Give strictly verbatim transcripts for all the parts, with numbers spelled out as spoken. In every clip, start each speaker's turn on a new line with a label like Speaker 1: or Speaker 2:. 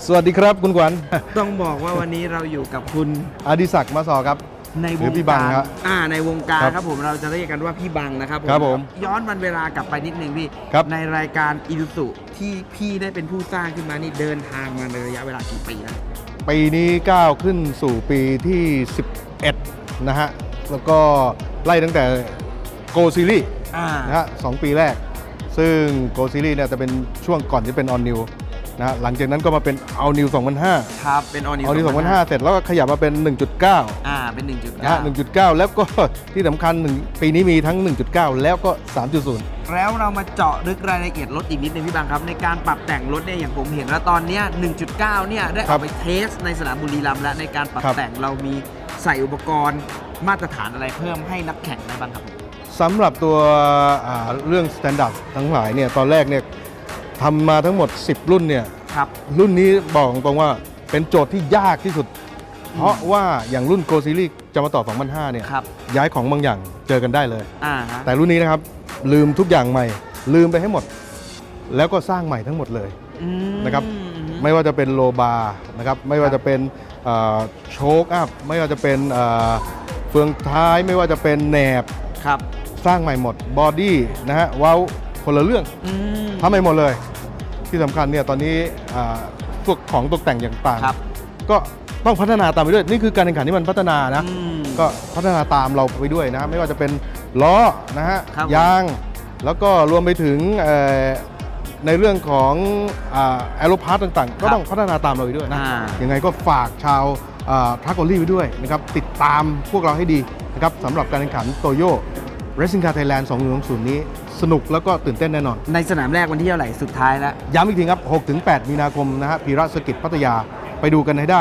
Speaker 1: สวัสดีครับคุณขวัญ
Speaker 2: ต้องบอกว่าวันนี้เราอยู่กับคุณ
Speaker 1: อดิศักดิ์มาสอครับ
Speaker 2: ในวงการอ่าในวงการครับผมเราจะเรียกกันว่าพี่บังนะครับผม
Speaker 1: ครับผม
Speaker 2: ย้อนวันเวลากลับไปนิดนึงพี่ในรายการอิรุสุที่พี่ได้เป็นผู้สร้างขึ้นมานี่เดินทางมาในระยะเวลากี่ปีแล้ว
Speaker 1: ปีนี้ก้าวขึ้นสู่ปีที่สิบเอ็ดนะฮะแล้วก็ไล่ตั้งแต่โกซีรีส์นะฮะสองปีแรกซึ่งโกซีรีส์เนี่ยจะเป็นช่วงก่อนที่เป็นออนนิวนะหลังจากนั้นก็มาเป็นเอานิวสองพันห้า
Speaker 2: ครับเป็นออนิว
Speaker 1: เอานิวสองพันห้าเสร็จแล้วก็ขยับมาเป็น หนึ่งจุดเก้า
Speaker 2: อ่าเป็น หนึ่งจุดเก้า
Speaker 1: นะฮะ หนึ่งจุดเก้า แล้วก็ที่สำคัญหนึ่งปีนี้มีทั้ง หนึ่งจุดเก้า แล้วก็ สามจุดศูนย์
Speaker 2: แล้วเรามาเจาะลึกรายละเอียดรถอีกนิดนึงพี่บังครับในการปรับแต่งรถเนี่ยอย่างผมเห็นแล้วตอนเนี้ย หนึ่งจุดเก้า เนี่ยได้เอาไปเทสในสนามบุรีรัมย์แล้วในการปรับแต่งเรามีใส่อุปกรณ์มาตรฐานอะไรเพิ่มให้นักแข่งได้บ้างครับ
Speaker 1: สำหรับตัวเรื่องสแตนดาร์ดทั้งหลายเนี่ยตอนแรกเนี่ยทำมาทั้งหมดสิบรุ่นเนี่ยรุ่นนี้บอกตรงว่าเป็นโจทย์ที่ยากที่สุดเพราะว่าอย่างรุ่นโกซีรีส์จะมาต่อสองพันห้าเนี่ยย้ายของบางอย่างเจอกันได้เลยแต่รุ่นนี้นะครับลืมทุกอย่างใหม่ลืมไปให้หมดแล้วก็สร้างใหม่ทั้งหมดเลยนะครับไม่ว่าจะเป็นโลบาร์นะครับไม่ว่าจะเป็นโชคอัพไม่ว่าจะเป็นเฟืองท้ายไม่ว่าจะเป็นแหนบสร้างใหม่หมดบอดี้นะฮะว้าวคนละเรื่องทำใหม่หมดเลยที่สำคัญเนี่ยตอนนี้พวกของตกแต่งอย่างต่างก็ต้องพัฒนาตามไปด้วยนี่คือการแข่งขันที่มันพัฒนานะก็พัฒนาตามเราไปด้วยนะไม่ว่าจะเป็นล้อนะฮะยางแล้วก็รวมไปถึงในเรื่องของแอโรพาร์ตต่างๆก็ต้องพัฒนาตามเราไปด้วยนะยังไงก็ฝากชาวทรัคโอลี่ไปด้วยนะครับติดตามพวกเราให้ดีนะครับสำหรับการแข่งขันโตโย่เรซซิ่งคาร์ไทยแลนด์สองพันยี่สิบนี้สนุกแล้วก็ตื่นเต้นแน่นอน
Speaker 2: ในสนามแรกวันที่เท่าไหร่สุดท้ายแล้ว
Speaker 1: ย้ำอีกทีครับ หกถึงแปด มีนาคมนะฮะพีระเซอร์กิตพัทยาไปดูกันให้ได้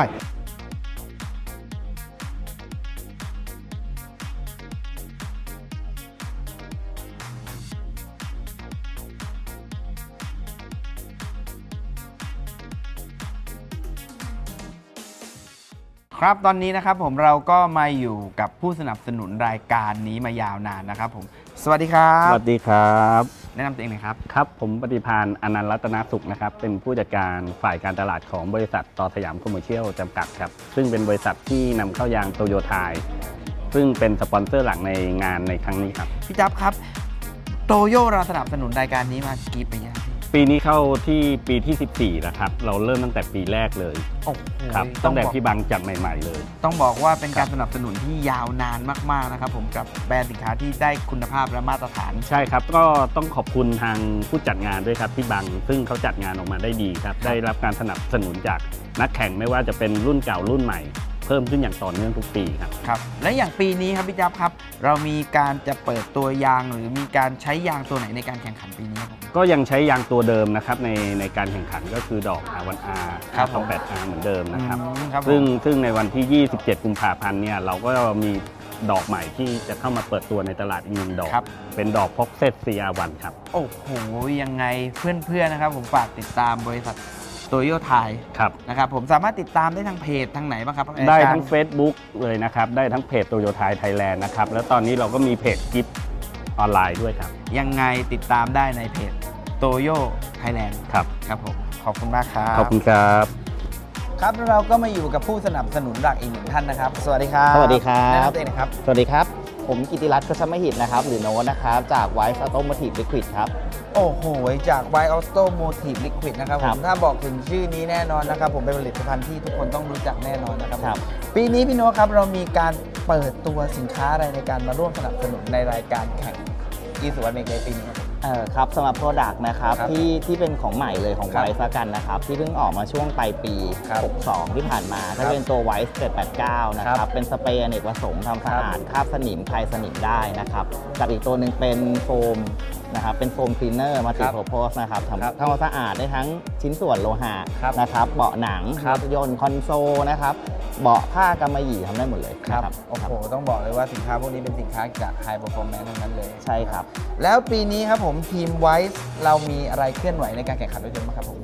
Speaker 2: ครับตอนนี้นะครับผมเราก็มาอยู่กับผู้สนับสนุนรายการนี้มายาวนานนะครับผมสวัสดีครับ
Speaker 3: สวัสดีครับ
Speaker 2: แนะนำตัวเองหน่อยครับ
Speaker 3: ครับผมปฏิภาณอนันต์รัตนสุขนะครับเป็นผู้จัดการฝ่ายการตลาดของบริษัทต่อสยามคอมเมอร์เชียลจำกัดครับซึ่งเป็นบริษัทที่นำเข้ายางโตโยต้าซึ่งเป็นสปอนเซอร์หลักในงานในครั้งนี้ครับ
Speaker 2: พี่จับครับโตโย่เราสนับสนุนรายการนี้มากี่ปีแล้ว
Speaker 3: ปีนี้เข้าที่ปีที่สิบสี่แล้วครับเราเริ่มตั้งแต่ปีแรกเลยครับตั้งแต่พี่บังจัดใหม่ๆเลย
Speaker 2: ต้องบอกว่าเป็นการสนับสนุนที่ยาวนานมากๆนะครับผมกับแบรนด์สินค้าที่ได้คุณภาพและมาตรฐาน
Speaker 3: ใช่ครับก็ต้องขอบคุณทางผู้จัดงานด้วยครับพี่บังซึ่งเขาจัดงานออกมาได้ดีครับได้รับการสนับสนุนจากนักแข่งไม่ว่าจะเป็นรุ่นเก่ารุ่นใหม่เพิ่มขึ้นอย่างต่อเนื่องทุกปีครับ
Speaker 2: ครับและอย่างปีนี้ครับพี่จับครับเรามีการจะเปิดตัวยางหรือมีการใช้ยางตัวไหนในการแข่งขันปีนี้ครับ
Speaker 3: ก็ยังใช้ยางตัวเดิมนะครับในในการแข่งขันก็คือดอก อาร์ วัน อาร์ สองแปด อาร์ เหมือนเดิมนะครับซึ่งซึ่งในวันที่ยี่สิบเจ็ดกุมภาพันธ์เนี่ยเราก็มีดอกใหม่ที่จะเข้ามาเปิดตัวในตลาดอีกหนึ่งดอกเป็นดอกพ็อกเซต ซี อาร์ วัน ครับ
Speaker 2: โอ้โหยังไงเพื่อนๆนะครับผมฝากติดตามบริษัทโตโยต้านะครับผมสามารถติดตามได้ทางเพจทางไหนบ้างครับ
Speaker 3: ได้ทั้ง Facebook เลยนะครับได้ทั้งเพจโตโยต้าไทยแลนด์นะครับแล้วตอนนี้เราก็มีเพจกิฟต์ออนไลน์ด้วยครับ
Speaker 2: ยังไงติดตามได้ในเพจโตโยไทยแลนด์
Speaker 3: ครับ
Speaker 2: ครับผมขอบคุณมากครับ
Speaker 3: ขอบคุณครับ
Speaker 2: ครับเราก็มาอยู่กับผู้สนับสนุนหลักอีกหนึ่งท่านนะครับสวัสดีครับ
Speaker 4: สวัสดีครับ
Speaker 2: แนะนำตัวเองนะครับ
Speaker 4: สวัสดีครับผมกิติรัตน์กฤษมหิตนะครับหรือโน้ตนะครับจากไวซ์ออโตโมทีฟลิควิดครับ
Speaker 2: โอ้โหจาก White Automotive Liquid นะครับผมถ้าบอกถึงชื่อนี้แน่นอนนะครับผมเป็นผลิตภัณฑ์ที่ทุกคนต้องรู้จักแน่นอนนะครับปีนี้พี่โน้ตครับเรามีการเปิดตัวสินค้าอะไรในการมาร่วมสนับสนุนในรายการแข่งอีสุวรรณเมกในปีนี้
Speaker 4: เออครับสำหรับโปรดักต์นะครับที่ที่เป็นของใหม่เลยของไวซ์ละกันนะครับที่เพิ่งออกมาช่วงปลายปีหกสิบสองที่ผ่านมาถ้าเป็นตัวไวซ์เจ็ดแปดเก้านะครับเป็นสเปรย์อเนกประสงค์ทำสะอาดคราบสนิมคลายสนิมได้นะครับกับอีกตัวหนึ่งเป็นโฟมนะครับเป็นโฟมคลีนเนอร์มัลติเพอร์โพสนะครับทำทำความสะอาดได้ทั้งชิ้นส่วนโลหะนะครับเบาะหนังรถยนต์คอนโซลนะครับเบาะผ้ากำมะหยี่ทำได้หมดเลย
Speaker 2: ครับโอ้โหต้องบอกเลยว่าสินค้าพวกนี้เป็นสินค้าจาก High Performance ทั้งนั้นเลย
Speaker 4: ใช่ครับ
Speaker 2: แล้วปีนี้ครับผมทีมไวซ์เรามีอะไรเคลื่อนไหวในการแข่งขันรถยนต์บ้างครับผม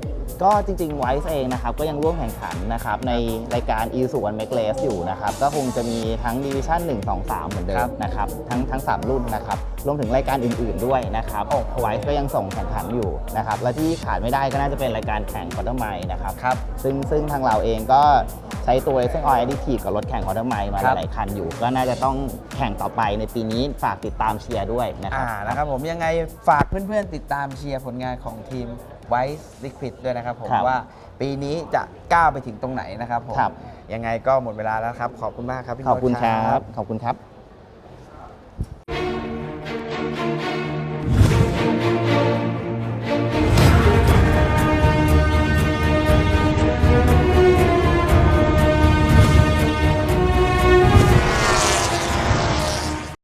Speaker 4: ก็จริงๆไวซ์เองนะครับก็ยังร่วมแข่งขันนะครับในรายการ Isuzu One Make Race อยู่นะครับก็คงจะมีทั้ง Division หนึ่ง สอง สาม เหมือนเดิ
Speaker 2: ครั
Speaker 4: ม
Speaker 2: บ
Speaker 4: นะครับทั้งทั้งสามรุ่นนะครับรวมถึงรายการอื่นๆด้วยนะครับไวซ์ก็ยังส่งแข่งขันอยู่นะครับและที่ขาดไม่ได้ก็น่าจะเป็นรายการแข่งคอร์เตอร์ไมล์นะครับ
Speaker 2: ครับ
Speaker 4: ซึ่งซึ่งทางเราเองก็ใช้ตัว Racing Oil Additive กับรถแข่งคอร์เตอร์ไมล์มา
Speaker 2: ครับ
Speaker 4: หลายๆคันอยู่ ก็น่าจะต้องแข่งต่อไปในปีนี้ฝากติดตามเชียร์ด้วยนะครั
Speaker 2: อ่า
Speaker 4: บ
Speaker 2: นะครับผมยังไงฝากเพื่อนๆ ติดตามเชียร์ผลงานของทีม Wise Liquid ด้วยนะครับผม
Speaker 4: ครับ
Speaker 2: ว่าปีนี้จะก้าวไปถึงตรงไหนนะครับผม
Speaker 4: ครับ
Speaker 2: ยังไงก็หมดเวลาแล้วครับ ขอบคุณมากครับพี่
Speaker 4: ขอบคุณ
Speaker 2: โน้ต
Speaker 4: ครับ ขอบคุณครับ